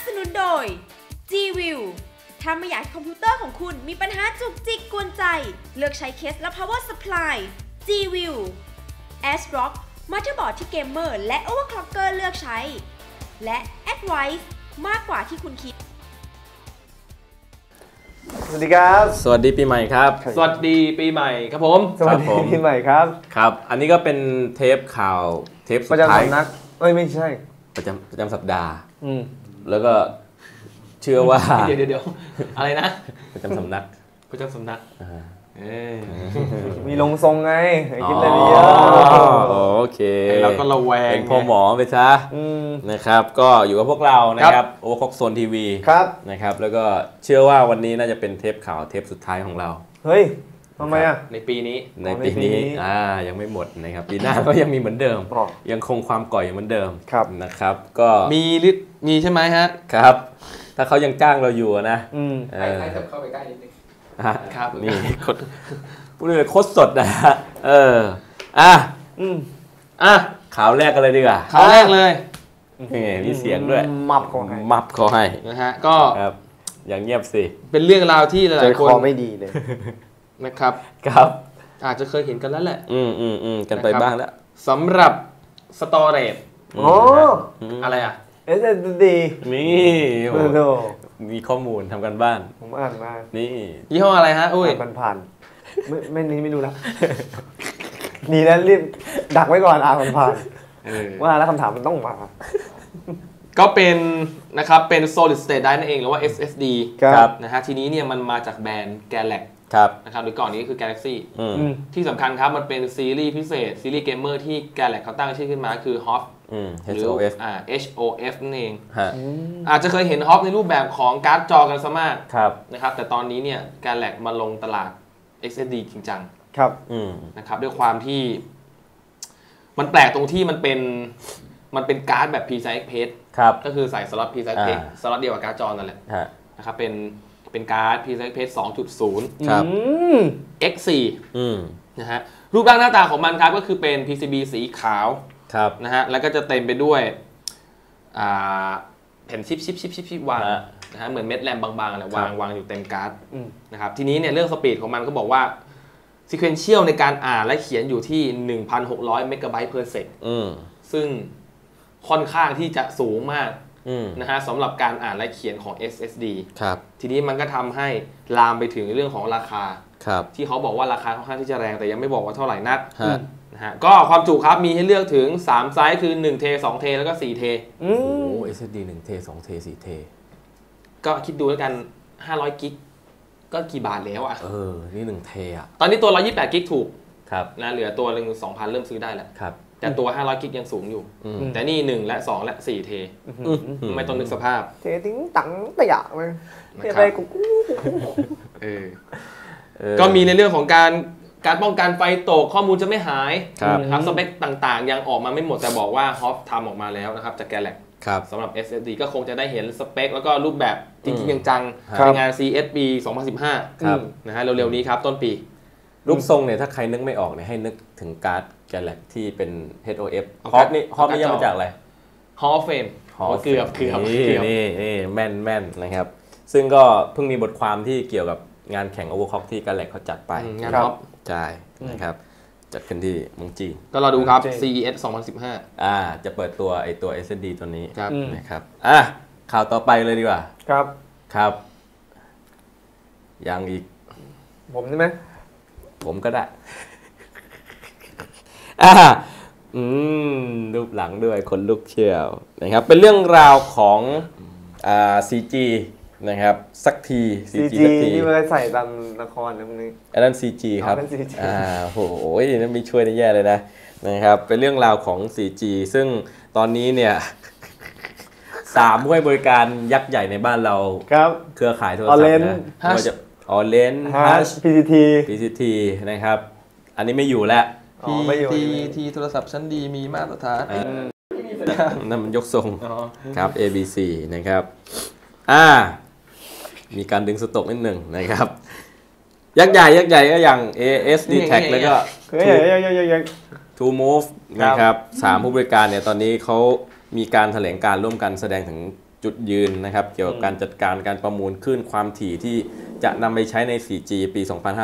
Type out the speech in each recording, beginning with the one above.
สนุนโดย G-View ถ้าไม่อยากคอมพิวเตอร์ของคุณมีปัญหาจุกจิกกวนใจ เลือกใช้เคสและ power supply G-View ASRock มัลติบอร์ดที่เกมเมอร์และ overclocker เลือกใช้ และ Advice มากกว่าที่คุณคิดสวัสดีครับสวัสดีปีใหม่ครับสวัสดีปีใหม่ครับผมสวัสดีปีใหม่ครับครับอันนี้ก็เป็นเทปข่าวเทปสุดท้ายประจำสำนักไม่ใช่ประจำสัปดาห์แล้วก็เชื่อว่าเดี๋ยวอะไรนะประจำสำนักมีลงทรงไงคิดอะไรเยอะโอเคเราก็ระแวงเป็นพ่อหมอไปซะนะครับก็อยู่กับพวกเรานะครับโอเวอร์คล็อกโซนทีวีนะครับแล้วก็เชื่อว่าวันนี้น่าจะเป็นเทปข่าวเทปสุดท้ายของเราเฮ้ยทำไมอ่ะในปีนี้ยังไม่หมดนะครับปีหน้าก็ยังมีเหมือนเดิมยังคงความก่อยเหมือนเดิมนะครับก็มีใช่ไหมฮะครับถ้าเขายังจ้างเราอยู่นะให้เข้าไปใกล้นิดนึงครับนี่พูดเลยโคตรสดนะข่าวแรกกันเลยดีกว่าข่าวแรกเลยมีเสียงด้วยมับขอให้นะฮะก็อย่างเงียบสิเป็นเรื่องราวที่หลายคนไม่ดีเลยนะครับอาจจะเคยเห็นกันแล้วแหละกันไปบ้างแล้วสำหรับสตอเรจอะไรอ่ะ SSD นี่มีข้อมูลทำกันบ้านผมอ่านมานี่ยี่ห้ออะไรฮะอุ้ยผ่านไม่รู้แล้วนี่นะรีบดักไว้ก่อนผ่านว่าแล้วคำถามมันต้องมาก็เป็นนะครับเป็น solid state drive นั่นเองหรือว่า SSD ครับนะฮะทีนี้เนี่ยมันมาจากแบรนด์ Galaxy นะครับโดยก่อนนี้คือ Galaxy ที่สำคัญครับมันเป็นซีรีส์พิเศษซีรีส์เกมเมอร์ที่ Galaxy เขาตั้งชื่อขึ้นมาคือ HOF หรือ HOF นั่นเองอาจจะเคยเห็น HOF ในรูปแบบของการ์ดจอกันซะมากนะครับแต่ตอนนี้เนี่ย Galaxy มาลงตลาด SSD จริงจังนะครับด้วยความที่มันแปลกตรงที่มันเป็นการ์ดแบบ PCI Express ก็คือใส่สล็อต PCI Express สล็อตเดียวกับการ์ดจอนั่นแหละนะครับเป็นการ์ด PCI Express 2.0 ครับ X4 นะฮะรูปร่างหน้าตาของมันครับก็คือเป็น PCB สีขาวนะฮะแล้วก็จะเต็มไปด้วยแผ่นชิปวางนะฮะเหมือนเม็ดแรมบางๆอะไรวางอยู่เต็มการ์ดนะครับทีนี้เนี่ยเรื่องสปีดของมันก็บอกว่าsequential ในการอ่านและเขียนอยู่ที่ 1,600 เมกะไบต์ per sec ซึ่งค่อนข้างที่จะสูงมากนะฮะสำหรับการอ่านและเขียนของ SSD ทีนี้มันก็ทำให้ลามไปถึงเรื่องของราคาที่เขาบอกว่าราคาค่อนข้างที่จะแรงแต่ยังไม่บอกว่าเท่าไหร่นักนะฮะก็ความจุครับมีให้เลือกถึง3ไซส์คือ1เท2เทแล้วก็4เทโอ้โห SSD 1เท2เท4เทก็คิดดูแล้วกัน500กิกก็กี่บาทแล้วอ่ะนี่1เทอ่ะตอนนี้ตัว128กิกถูกนะเหลือตัวนึง 2,000 เริ่มซื้อได้แล้วแต่ตัว500กิกยังสูงอยู่แต่นี่1และ2และ4เทไม่ต้องนึกสภาพเททิ้งตังตะหยะเลยนะครับก็มีในเรื่องของการป้องกันไฟตกข้อมูลจะไม่หายนะครับสเปคต่างๆยังออกมาไม่หมดแต่บอกว่า HOF ทำออกมาแล้วนะครับจาก Galaxy สำหรับ SSD ก็คงจะได้เห็นสเปคแล้วก็รูปแบบจริงๆจังๆในงาน CES 2015นะฮะเร็วๆนี้ครับต้นปีรูปทรงเนี่ยถ้าใครนึกไม่ออกเนี่ยให้นึกถึงการ์ด Galaxy ที่เป็น HOF HOF นี่ย่อมาจากอะไร Hall of Fame เกือบนี่แม่นนะครับซึ่งก็เพิ่งมีบทความที่เกี่ยวกับงานแข่ง Overclock ที่ Galaxy เขาจัดไปงานท็อปใช่นะครับจัดขึ้นที่เมืองจีนก็รอดูครับ CES 2015 จะเปิดตัวตัว SSD ตัวนี้นะครับข่าวต่อไปเลยดีกว่าครับยังอีกผมใช่ไหมผมก็ได้รูปหลังด้วยคนลุกเชี่ยวนะครับเป็นเรื่องราวของCG นะครับสักที CG ที่มาใส่ตามละครนะพวกนี้อันนั้น CG ครับโหนั่นมีช่วยได้แย่เลยนะครับเป็นเรื่องราวของ CG ซึ่งตอนนี้เนี่ย3 ผู้ให้บริการยักษ์ใหญ่ในบ้านเราเครือข่ายโทรศัพท์นะOrange Hush PCT นะครับอันนี้ไม่อยู่แล้ว PTT โทรศัพท์ชั้นดีมีมาตรฐานนั่นมันยกทรงครับ ABC นะครับมีการดึงสต็อกนิดหนึ่งนะครับยักษ์ใหญ่ก็อย่าง ASD-Tag แล้วก็ TrueMove นะครับ3ผู้บริการเนี่ยตอนนี้เขามีการแถลงการร่วมกันแสดงถึงจุดยืนนะครับเกี่ยวกับการจัดการการประมูลคลื่นความถี่ที่จะนำไปใช้ใน 4G ปี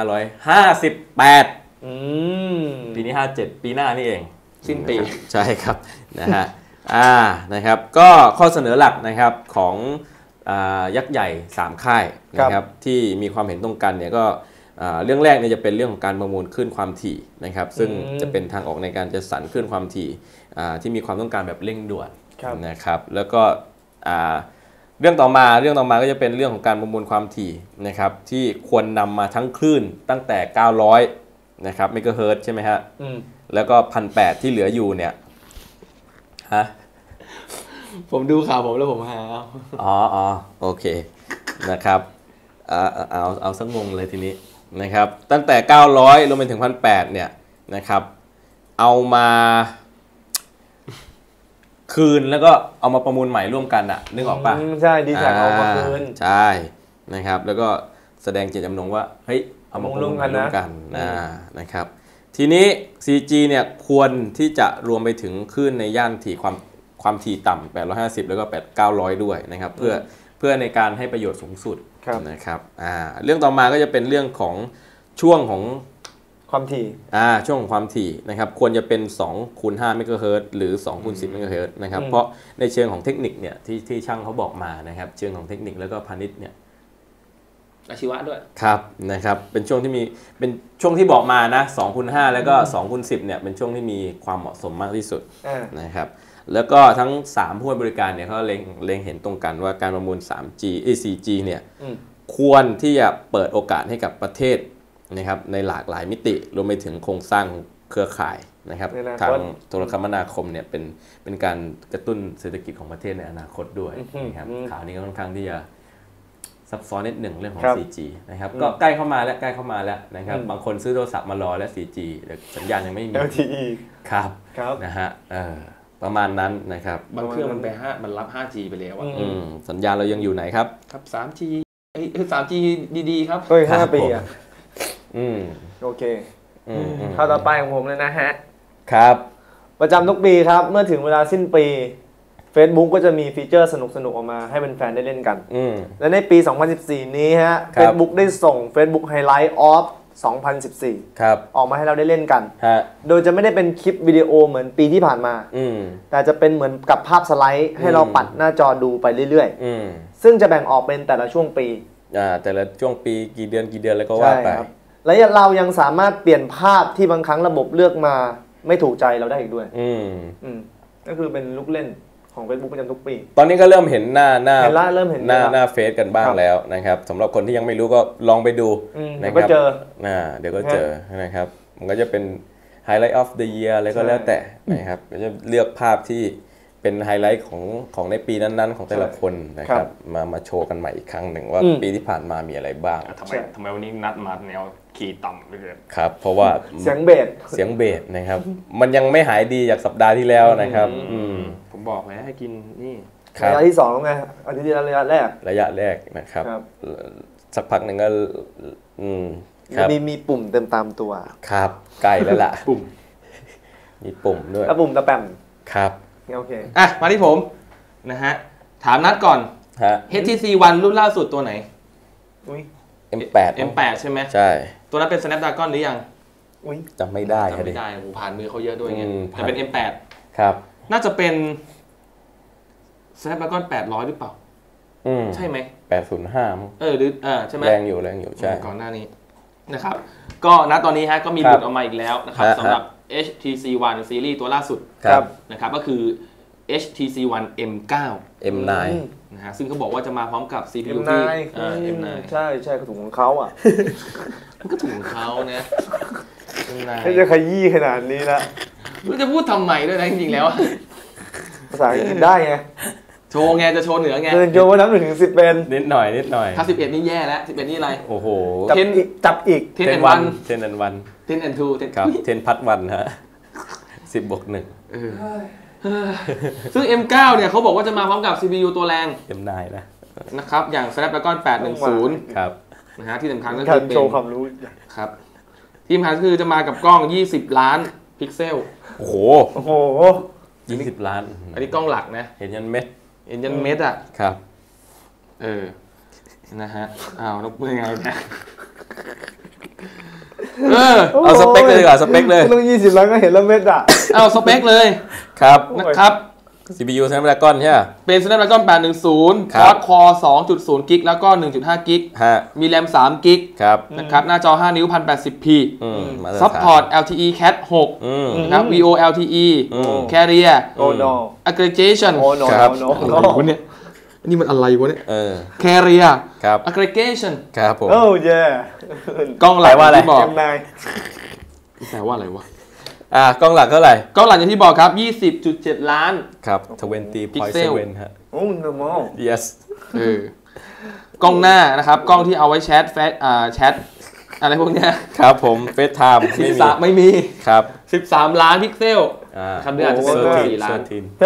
2558ปีนี้ 57 ปีหน้านี่เองสิ้นปีใช่ครับนะฮะนะครับก็ข้อเสนอหลักนะครับของยักษ์ใหญ่3ค่ายนะครับที่มีความเห็นตรงกันเนี่ยก็เรื่องแรกเนี่ยจะเป็นเรื่องของการประมูลคลื่นความถี่นะครับซึ่งจะเป็นทางออกในการจัดสรรคลื่นความถี่ที่มีความต้องการแบบเร่งด่วนนะครับแล้วก็เรื่องต่อมาก็จะเป็นเรื่องของการประมูลความถี่นะครับที่ควรนำมาทั้งคลื่นตั้งแต่ 900นะครับเมกะเฮิรตซ์ใช่ไหมฮะแล้วก็ 1,800 ที่เหลืออยู่เนี่ยฮะผมดูข่าวผมแล้วผมหาอ๋อโอเคนะครับเอาสักงงเลยทีนี้นะครับตั้งแต่ 900 ลงไปถึง 1,800 เนี่ยนะครับเอามาคืนแล้วก็เอามาประมูลใหม่ร่วมกันอะนึกออกปะใช่ดีแท็กเอามาคืนใช่นะครับแล้วก็แสดงเจตจำนงว่าเฮ้ยเอามาประมูลร่วมกันนะครับทีนี้ 4G เนี่ยควรที่จะรวมไปถึงคลื่นในย่านถี่ความถี่ต่ำ850แล้วก็900ด้วยนะครับเพื่อในการให้ประโยชน์สูงสุดนะครับเรื่องต่อมาก็จะเป็นเรื่องของช่วงของความถี่ช่วงของความถี่นะครับควรจะเป็น2 คูณ 5 เมกะเฮิรตซ์หรือ2 คูณ 10 เมกะเฮิรตซ์นะครับเพราะในเชิงของเทคนิคเนี่ยที่ช่างเขาบอกมานะครับเชิงของเทคนิคแล้วก็พาณิชย์เนี่ยอาชีวะด้วยครับนะครับเป็นช่วงที่บอกมานะ2 คูณ 5แล้วก็2 คูณ 10เนี่ยเป็นช่วงที่มีความเหมาะสมมากที่สุดนะครับแล้วก็ทั้ง3ผู้ให้บริการเนี่ยเขาเล็งเห็นตรงกันว่าการประมูล 3G 4G เนี่ยควรที่จะเปิดโอกาสให้กับประเทศนะครับในหลากหลายมิติรวมไปถึงโครงสร้างเครือข่ายนะครับทางโทรคมนาคมเนี่ยเป็นการกระตุ้นเศรษฐกิจของประเทศในอนาคตด้วยนะครับข่าวนี้ก็ค่อนข้างที่จะซับซ้อนนิดหนึ่งเรื่องของ 4G นะครับก็ใกล้เข้ามาแล้วนะครับบางคนซื้อโทรศัพท์มารอแล้ว 4G แต่สัญญาณยังไม่มี LTE ครับนะฮะประมาณนั้นนะครับบางเครื่องมันรับ 5G ไปแล้วสัญญาณเรายังอยู่ไหนครับครับ 3G 3G ดีๆครับ 5 ปีโอเคเข้าต่อไปของผมเลยนะฮะครับประจำทุกปีครับเมื่อถึงเวลาสิ้นปี Facebook ก็จะมีฟีเจอร์สนุกๆออกมาให้แฟนๆได้เล่นกันและในปี 2014 นี้ฮะ Facebook ได้ส่ง Facebook Highlight of 2014 ออกมาให้เราได้เล่นกันโดยจะไม่ได้เป็นคลิปวิดีโอเหมือนปีที่ผ่านมาแต่จะเป็นเหมือนกับภาพสไลด์ให้เราปัดหน้าจอดูไปเรื่อยๆซึ่งจะแบ่งออกเป็นแต่ละช่วงปีแต่ละช่วงปีกี่เดือนแล้วก็ว่าไปและเรายังสามารถเปลี่ยนภาพที่บางครั้งระบบเลือกมาไม่ถูกใจเราได้อีกด้วยก็คือเป็นลูกเล่นของ Facebook ประจำทุกปีตอนนี้ก็เริ่มเห็นหน้าหน้าเฟซกันบ้างแล้วนะครับสำหรับคนที่ยังไม่รู้ก็ลองไปดูนะครับเดี๋ยวก็เจอนะครับมันก็จะเป็น Highlight of the Year อะไรก็แล้วแต่นะครับก็จะเลือกภาพที่เป็นไฮไลท์ของในปีนั้นๆของแต่ละคนนะครับมาโชว์กันใหม่อีกครั้งหนึ่งว่าปีที่ผ่านมามีอะไรบ้างทำไมวันนี้นัดมาแนวคีย์ต่ำไปเลยครับเพราะว่าเสียงเบสนะครับมันยังไม่หายดีจากสัปดาห์ที่แล้วนะครับผมบอกแล้วให้กินนี่ระยะที่2แล้วไงอาทิตย์ที่แล้วระยะแรกนะครับสักพักหนึ่งก็มีปุ่มเต็มตามตัวครับใกล้แล้วล่ะปุ่มมีปุ่มด้วยแล้วปุ่มตะแปมครับโอเคมาที่ผมนะฮะถามนัดก่อนHTC One รุ่นล่าสุดตัวไหนM8 ใช่ไหมใช่ตัวนั้นเป็น Snapdragon หรือยังจำไม่ได้ผมผ่านมือเขาเยอะด้วยไงแต่เป็น M8 ครับน่าจะเป็น Snapdragon 800หรือเปล่าใช่ไหม 805 หรือใช่ไหมแรงอยู่ใช่ก่อนหน้านี้นะครับก็ณตอนนี้ฮะก็มีหลุดออกมาอีกแล้วนะครับสำหรับHTC One ซีรีส์ตัวล่าสุดนะครับก็คือ HTC One M9 นะฮะซึ่งเขาบอกว่าจะมาพร้อมกับ CPU ที่ M9 ใช่ก็ถูกของเขาอ่ะมันก็ถูกของเขานะไม่จะขยี้ขนาดนี้ละไม่จะพูดทำไมด้วยนะจริงๆแล้วภาษาอังกฤษได้ไงโชว์ไงจะโชว์เหนือไงโชว์ว่านับ1 ถึง 10เป็นนิดหน่อยถ้า11นี่แย่แล้ว11นี่อะไรโอ้โหจับอีก 10 and 1 10 and 1 10 and 2 ครับ10 พัดวันฮะ10+1 ซึ่ง M9 เนี่ยเขาบอกว่าจะมาพร้อมกับ CPU ตัวแรง M9 นะครับอย่าง Snapdragon 810 ครับนะฮะที่สำคัญก็คือเป็นโชว์ความรู้ครับที่สำคัญคือจะมากับกล้อง20 ล้านพิกเซลโอ้โห20 ล้านอันนี้กล้องหลักนะเห็นยันเม็ดเห็นยันเม็ดอ่ะครับนะฮะแล้วเป็นยังไงเนี่ยเอาสเปคเลยดีกว่าสเปคเลยต้อง20 ล้านก็เห็นแล้วเม็ดอ่ะเอาสเปคเลยครับนะครับ CPU Snapdragon ใช่ไหมเป็น Snapdragon 810 Quad-Core 2.0 กิกแล้วก็ 1.5 กิกมีแรม3กิกนะครับหน้าจอ5 นิ้ว 1080p Support LTE Cat 6นะครับ VoLTE Carrier Aggregation ครับอะไรวะเนี่ยนี่มันอะไรวะเนี่ย Carrier Aggregation ครับผมกล้องหลักที่บอกแปลว่าอะไรวะกล้องหลักเท่าไหร่กล้องหลักอย่างที่บอกครับ 20.7 ล้านครับ20.7 ฮะโอ้ normal yes กล้องหน้านะครับกล้องที่เอาไว้แชทแชทอะไรพวกเนี้ยครับผม FaceTime ไม่มีครับ 13 ล้านพิกเซลคำนี้อาจจะเป็น14 ล้าน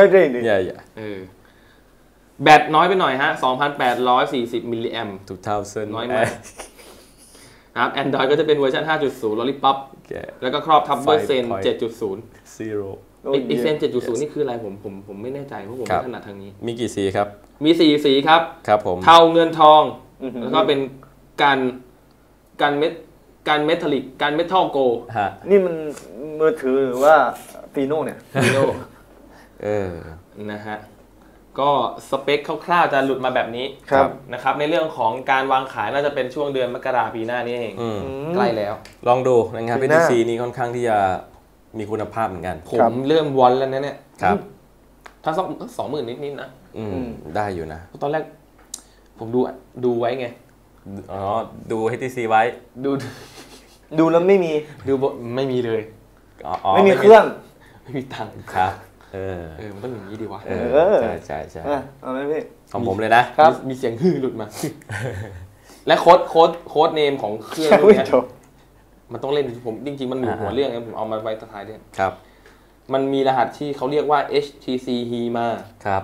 แบตน้อยไปหน่อยฮะ 2,840 มิลลิแอมป์น้อยมากครับ Android ก็จะเป็นเวอร์ชัน 5.0 Lollipop แล้วก็ครอบทับด้วยเซน 7.0 อีเซน 7.0 นี่คืออะไรผมไม่แน่ใจเพราะผมไม่ถนัดทางนี้มีกี่สีครับมี4 สีครับผมเทาเงินทองแล้วก็เป็นการเมทัลลิกการเมทัลโกนี่มันมือถือหรือว่าฟีโน่เนี่ยฟีโน่นะฮะก็สเปคคร่าวๆจะหลุดมาแบบนี้นะครับในเรื่องของการวางขายน่าจะเป็นช่วงเดือนมกราปีหน้านี้เองใกล้แล้วลองดูนะครับ PTC นี้ค่อนข้างที่จะมีคุณภาพเหมือนกันผมเริ่มวอนแล้วนะเนี่ยถ้าสัก 20,000 นิดๆนะได้อยู่นะตอนแรกผมดูไว้ไงดู HTC ไว้ดูแล้วไม่มีไม่มีเลยไม่มีเครื่องไม่มีตังค์ครับมันต้องอย่างนี้ดีวะใช่เอาไหมพี่ของผมเลยนะครับมีเสียงฮือหลุดมาและโค้ดเนมของเครื่องนี้มันต้องเล่นผมจริงๆมันอยู่หัวเรื่องผมเอามาไว้ท้ายด้วยครับมันมีรหัสที่เขาเรียกว่า HTC HIMA ครับ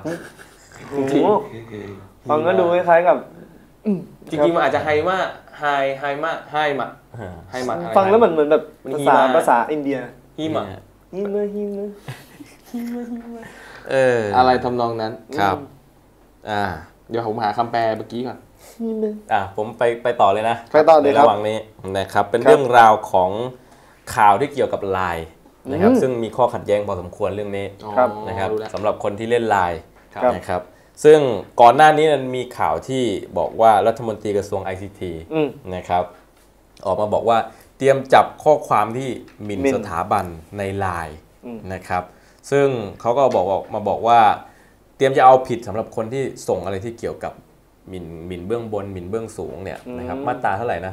ฟังก็ดูคล้ายๆกับจริงๆมันอาจจะไฮมาฟังแล้วเหมือนแบบภาษาอินเดียฮิมะอะไรทำนองนั้นครับเดี๋ยวผมหาคำแปลเมื่อกี้ก่อนผมไปต่อเลยนะไปต่อเลยระหว่างนี้นะครับเป็นเรื่องราวของข่าวที่เกี่ยวกับไลน์นะครับซึ่งมีข้อขัดแย้งพอสมควรเรื่องนี้นะครับสำหรับคนที่เล่นไลน์นะครับซึ่งก่อนหน้านี้มันมีข่าวที่บอกว่ารัฐมนตรีกระทรวง ICT นะครับออกมาบอกว่าเตรียมจับข้อความที่หมิ่นสถาบันในไลน์นะครับซึ่งเขาก็บอกว่าเตรียมจะเอาผิดสำหรับคนที่ส่งอะไรที่เกี่ยวกับหมิ่นเบื้องบนหมิ่นเบื้องสูงเนี่ยนะครับมาตราเท่าไหร่นะ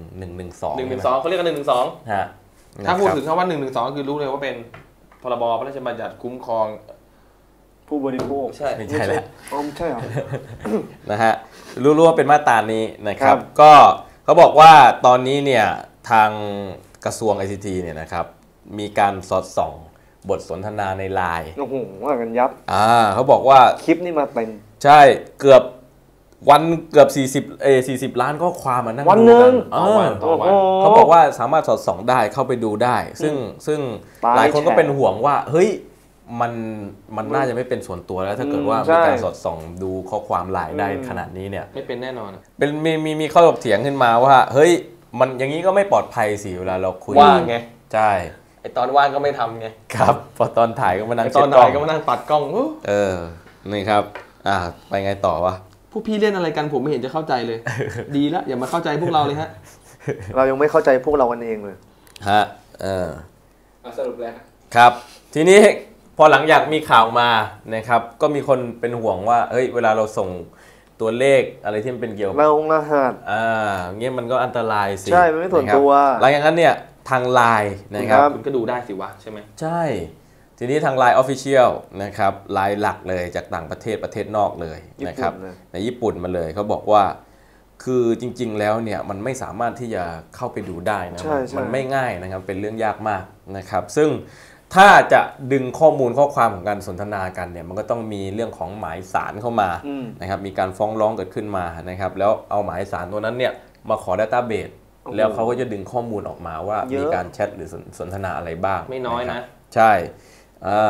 112 เขาเรียกกัน112ฮะถ้าพูดถึงคำว่า112คือรู้เลยว่าเป็นพรบพระราชบัญญัติคุ้มครองผู้บริโภคไม่ใช่แล้วใช่หรอนะฮะรู้ว่าเป็นมาตรานี้นะครับก็เขาบอกว่าตอนนี้เนี่ยทางกระทรวง ICT เนี่ยนะครับมีการสอดส่องบทสนทนาในไลน์โอ้โหว่ากันยับเขาบอกว่าคลิปนี่มาเป็นใช่เกือบ40 ล้านข้อความนั่งวันนึงเขาบอกว่าสามารถสอดส่องได้เข้าไปดูได้ซึ่งหลายคนก็เป็นห่วงว่าเฮ้ยมันน่าจะไม่เป็นส่วนตัวแล้วถ้าเกิดว่ามีการสอดส่องดูข้อความไลน์ได้ขนาดนี้เนี่ยไม่เป็นแน่นอนเป็นมีข้อถกเถียงขึ้นมาว่าเฮ้ยมันอย่างนี้ก็ไม่ปลอดภัยสิเวลาเราคุยว่างไงใช่ไอตอนว่างก็ไม่ทำไงครับพอตอนถ่ายก็มานั่งตอนถ่ายก็มานั่งปัดกล้องนี่ครับไปไงต่อวะพวกพี่เล่นอะไรกันผมไม่เห็นจะเข้าใจเลยดีแล้วอย่ามาเข้าใจพวกเราเลยฮะเรายังไม่เข้าใจพวกเรากันเองเลยฮะสรุปแล้วครับทีนี้พอหลังจากมีข่าวมานะครับก็มีคนเป็นห่วงว่าเฮ้ยเวลาเราส่งตัวเลขอะไรที่มันเป็นเกี่ยวกับรหัสเงี้ยมันก็อันตรายสิใช่ไม่ส่วนตัวหลังจากนั้นเนี่ยทางไลน์นะครับคุณก็ดูได้สิวะใช่ไหมใช่ทีนี้ทางไลน์ Official นะครับไลน์หลักเลยจากต่างประเทศนอกเลยนะครับในญี่ปุ่นมาเลยเขาบอกว่าคือจริงๆแล้วเนี่ยมันไม่สามารถที่จะเข้าไปดูได้นะมันไม่ง่ายนะครับเป็นเรื่องยากมากนะครับซึ่งถ้าจะดึงข้อมูลข้อความของการสนทนากันเนี่ยมันก็ต้องมีเรื่องของหมายสารเข้ามานะครับมีการฟ้องร้องเกิดขึ้นมานะครับแล้วเอาหมายสารตัวนั้นเนี่ยมาขอ Database แล้วเขาก็จะดึงข้อมูลออกมาว่ามีการแชทหรือสนทนาอะไรบ้างไม่น้อยนะใช่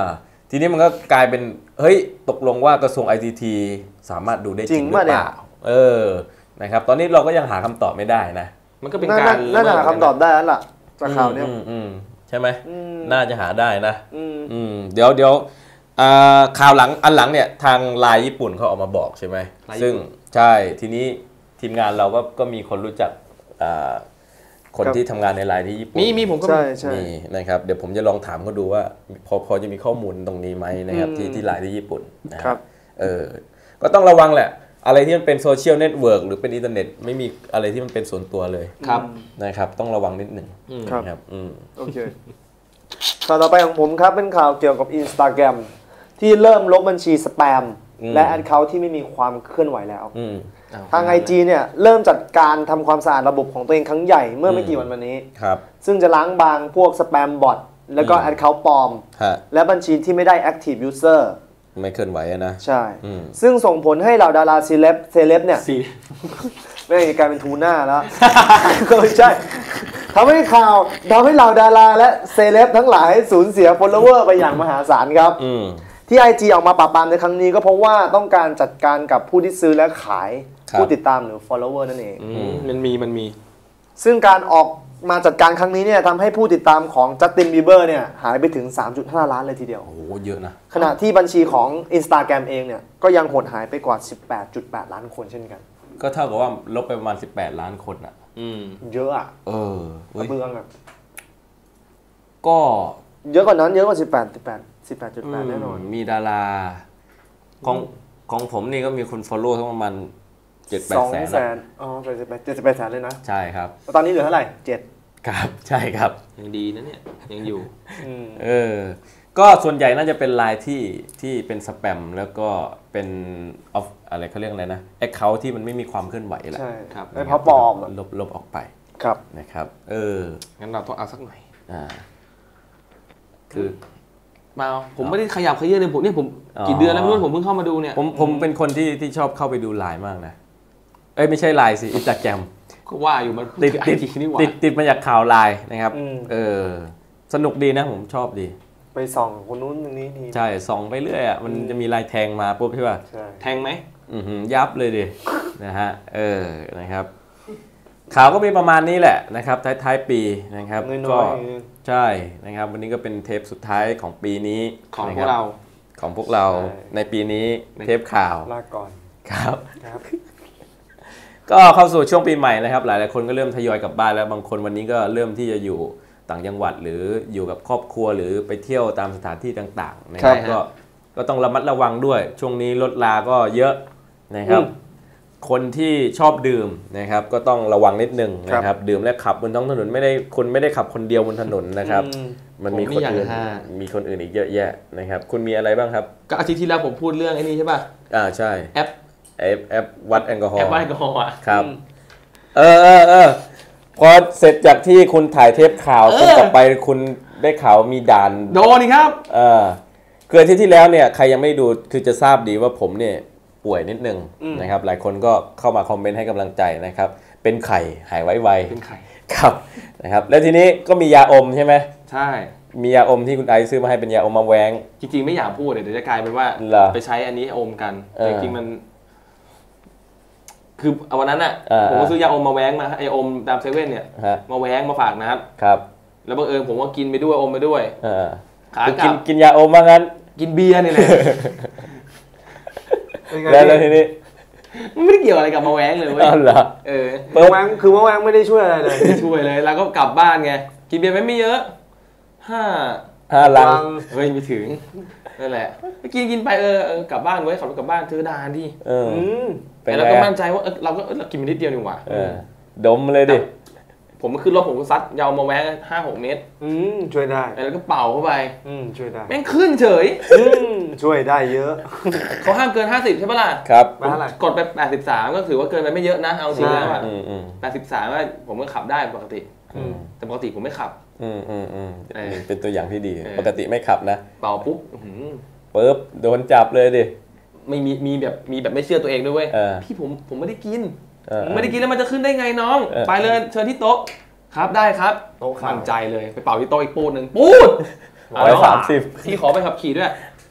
ทีนี้มันก็กลายเป็นเฮ้ยตกลงว่ากระทรวง ICT สามารถดูได้จริงหรือเปล่านะครับตอนนี้เราก็ยังหาคำตอบไม่ได้นะมันก็เป็นการน่าจะหาคำตอบได้แล้วล่ะจากข่าวนี้ใช่ไหมน่าจะหาได้นะเดี๋ยวข่าวอันหลังเนี่ยทางไลน์ญี่ปุ่นเขาออกมาบอกใช่ไหมซึ่งใช่ทีนี้ทีมงานเราก็มีคนรู้จักคนที่ทำงานในไลน์ที่ญี่ปุ่นมีผมก็มีนะครับเดี๋ยวผมจะลองถามเขาดูว่าพอจะมีข้อมูลตรงนี้ไหมนะครับที่ไลน์ที่ญี่ปุ่นนะครับก็ต้องระวังแหละอะไรที่มันเป็นโซเชียลเน็ตเวิร์กหรือเป็นอินเทอร์เน็ตไม่มีอะไรที่มันเป็นส่วนตัวเลยนะครับต้องระวังนิดหนึ่งครับโอเคข่าวต่อไปของผมครับเป็นข่าวเกี่ยวกับ Instagram ที่เริ่มลบบัญชีสแปมและแอคเคาท์ที่ไม่มีความเคลื่อนไหวแล้วทาง IG เนี่ยเริ่มจัดการทำความสะอาดระบบของตัวเองครั้งใหญ่เมื่อไม่กี่วันมานี้ซึ่งจะล้างบางพวกสแปมบอทแล้วก็แอคเคาท์ปลอมและบัญชีที่ไม่ได้ Active User ไม่เคลื่อนไหวนะใช่ซึ่งส่งผลให้เหล่าดาราเซเลบเนี่ยไม่ได้กลายเป็นทูน่าแล้วก็ไม่ใช่ทำให้เหล่าดาราและเซเลบทั้งหลายสูญเสีย follower ไปอย่างมหาศาลครับที่ IG ออกมาปราบปรามในครั้งนี้ก็เพราะว่าต้องการจัดการกับผู้ที่ซื้อและขายผู้ติดตามหรือ follower นั่นเองมันมีซึ่งการออกมาจัดการครั้งนี้เนี่ยทำให้ผู้ติดตามของจัสตินบีเบอร์เนี่ยหายไปถึง 3.5 ล้านเลยทีเดียวโอ้โหเยอะนะขณะที่บัญชีของ Instagram เองเนี่ยก็ยังหดหายไปกว่า 18.8 ล้านคนเช่นกันก็เท่ากับว่าลบไปประมาณ18 ล้านคนอ่ะเยอะอ่ะเเบื้องอ่ะก็เยอะกว่านั้นเยอะกว่า18.8 แน่นอนมีดาราของผมนี่ก็มีคน follow ทั้งประมาณ7-8 แสนอ๋อ78 แสนเลยนะใช่ครับตอนนี้เหลือเท่าไหร่7 ครับใช่ครับยังดีนะเนี่ยยังอยู่ก็ส่วนใหญ่น่าจะเป็นไลน์ที่เป็นสแปมแล้วก็เป็นอะไรเขาเรียกอะไรนะแอคเคาท์ที่มันไม่มีความเคลื่อนไหวแหละใช่ครับไอ้พอปลอมลบออกไปครับนะครับงั้นเราต้องเอาสักหน่อยคือมาผมไม่ได้ขยับขยื่นเลยผมกี่เดือนแล้วไม่รู้ผมเพิ่งเข้ามาดูเนี่ยผมเป็นคนที่ชอบเข้าไปดูไลน์มากนะไม่ใช่ไลน์สิInstagram ก็ว่าอยู่มันติดมาจากข่าวไลน์นะครับสนุกดีนะผมชอบดีไปส่องคนนู้นคนนี้ใช่ส่องไปเรื่อยอ่ะมันจะมีลายแทงมาปุ๊บใช่ป่ะแทงไหมยับเลยดินะฮะนะครับข่าวก็มีประมาณนี้แหละนะครับท้ายปีนะครับก็ใช่นะครับวันนี้ก็เป็นเทปสุดท้ายของปีนี้ของพวกเราในปีนี้เทปข่าวลาก่อนครับก็เข้าสู่ช่วงปีใหม่นะครับหลายๆคนก็เริ่มทยอยกลับบ้านแล้วบางคนวันนี้ก็เริ่มที่จะอยู่ต่างจังหวัดหรืออยู่กับครอบครัวหรือไปเที่ยวตามสถานที่ต่างๆนะครับก็ต้องระมัดระวังด้วยช่วงนี้รถลาก็เยอะนะครับคนที่ชอบดื่มนะครับก็ต้องระวังนิดนึงนะครับดื่มและขับบนท้องถนนคุณไม่ได้ขับคนเดียวบนถนนนะครับมันมีคนอื่นอีกเยอะแยะนะครับคุณมีอะไรบ้างครับก็อาทิตย์ที่แล้วผมพูดเรื่องไอ้นี่ใช่ป่ะใช่แอปวัดแอลกอฮอล์อ่ะครับพอเสร็จจากที่คุณถ่ายเทปข่าวคุณกลับไปคุณได้ข่าวมีด่านโดนนี่ครับคืออาทิตย์ที่แล้วเนี่ยใครยังไม่ดูคือจะทราบดีว่าผมเนี่ยป่วยนิดนึงนะครับหลายคนก็เข้ามาคอมเมนต์ให้กำลังใจนะครับเป็นไข้หายไวๆเป็นไข้ครับนะครับแล้วทีนี้ก็มียาอมใช่ไหมใช่มียาอมที่คุณไอซ์ซื้อมาให้เป็นยาอมมาแวงจริงๆไม่อยากพูดเดี๋ยวจะกลายเป็นว่าไปใช้อันนี้อมกันแต่จริงๆมันคือวันนั้นผมก็ซื้อยาอมมาแว้งมาไออมตามเซเว่นเนี่ยมาแว้งมาฝากนะครับแล้วบังเอิญผมก็กินไปด้วยอมไปด้วยขากลับกินยาอมมางั้นกินเบียร์นี่แหละแล้วทีนี้มันไม่ได้เกี่ยวอะไรกับมาแว้งเลยเว้ยเหรอมาแว้งคือมาแว้งไม่ได้ช่วยอะไรเลยไม่ช่วยเลยแล้วก็กลับบ้านไงกินเบียร์ไม่เยอะ 5 ลังเฮ้ยไม่ถึงนั่นแหละกินไปกลับบ้านไว้ขับรถกลับบ้านซื้อดานดิแต่เราก็มั่นใจว่าเรากินนิดเดียวนี่หว่าดมเลยดิผมก็ขึ้นรถผมก็ซัดยาวมาแว้ง5-6 เมตรช่วยได้แล้วก็เป่าเข้าไปช่วยได้แม่งขึ้นเฉยช่วยได้เยอะเขาห้ามเกิน50ใช่ปะล่ะครับกดไป83ก็ถือว่าเกินไปไม่เยอะนะเอาจริงแล้ว83ว่าผมก็ขับได้ปกติแต่ปกติผมไม่ขับเป็นตัวอย่างที่ดีปกติไม่ขับนะเป่าปุ๊บโดนจับเลยดิไม่มีแบบไม่เชื่อตัวเองด้วยเว้ยพี่ผมไม่ได้กินไม่ได้กินแล้วมันจะขึ้นได้ไงน้องไปเลยเชิญที่โต๊ะครับได้ครับโต๊ะมั่นใจเลยไปเป่าที่โต๊ะอีกปูดนึงปูด 130 พี่ขอไปขับขี่ด้วย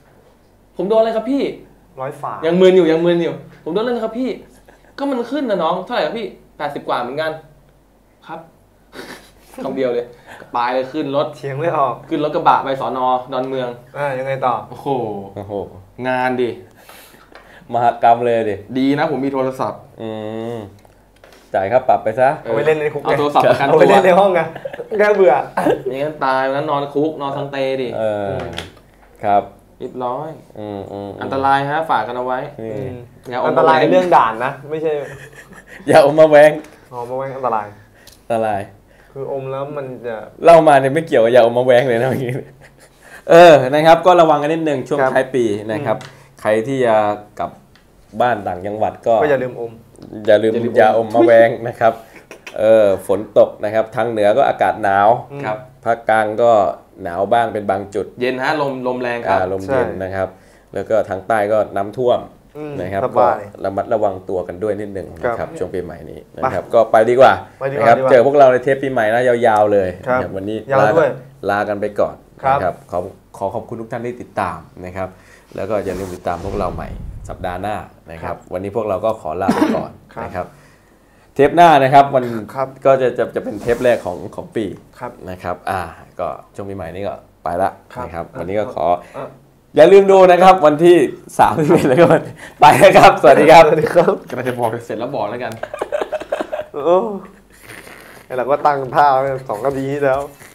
ผมโดนอะไรครับพี่ 100 ฝายังมึนอยู่ผมโดนอะไรครับพี่ก็มันขึ้นนะน้องเท่าไหร่ครับพี่80 กว่าเหมือนกันครับคำเดียวเลยปลายเลยขึ้นรถเถียงไม่ออกขึ้นรถกระบะไปสน.ดอนเมืองยังไงต่อโอ้โหงานดิมหกรรมเลยดิดีนะผมมีโทรศัพท์จ่ายค่าปรับไปซะเอาไปเล่นในคุกเอาโทรศัพท์ประกันตัวเอาไปเล่นในห้องไงแค่เบื่ออย่างนั้นตายนั้นนอนคุกนอนทังเตดิครับเรียบร้อยอันตรายฮะฝากกันเอาไว้อันตรายเรื่องด่านนะไม่ใช่อย่าอมมาแวงมาแวงอันตรายคืออมแล้วมันจะเล่ามาเนี่ยไม่เกี่ยวกับอย่าอมมาแวงเลยนะเมื่อกี้นะครับก็ระวังกันนิดนึงช่วงท้ายปีนะครับใครที่จะกลับบ้านต่างจังหวัดก็อย่าลืมอย่าอมมาแวงนะครับฝนตกนะครับทางเหนือก็อากาศหนาวครับภาคกลางก็หนาวบ้างเป็นบางจุดเย็นฮะลมแรงครับลมเย็นนะครับแล้วก็ทางใต้ก็น้ำท่วมนะครับก็ระมัดระวังตัวกันด้วยนิดนึงนะครับช่วงปีใหม่นี้นะครับก็ไปดีกว่านะครับเจอพวกเราในเทปปีใหม่นะยาวๆเลยวันนี้ลากันไปก่อนนะครับขอขอบคุณทุกท่านที่ติดตามนะครับแล้วก็อย่าลืมติดตามพวกเราใหม่สัปดาห์หน้านะครับวันนี้พวกเราก็ขอลาไปก่อนนะครับเทปหน้านะครับมันก็จะเป็นเทปแรกของปีนะครับก็ช่วงปีใหม่นี้ก็ไปละนะครับวันนี้ก็ขออย่าลืมดูนะครับวันที่31แล้วก็ไปนะครับสวัสดีครับกำลังจะบอกเสร็จแล้วบอกแล้วกันเราก็ตั้งท่า2 นาทีแล้ว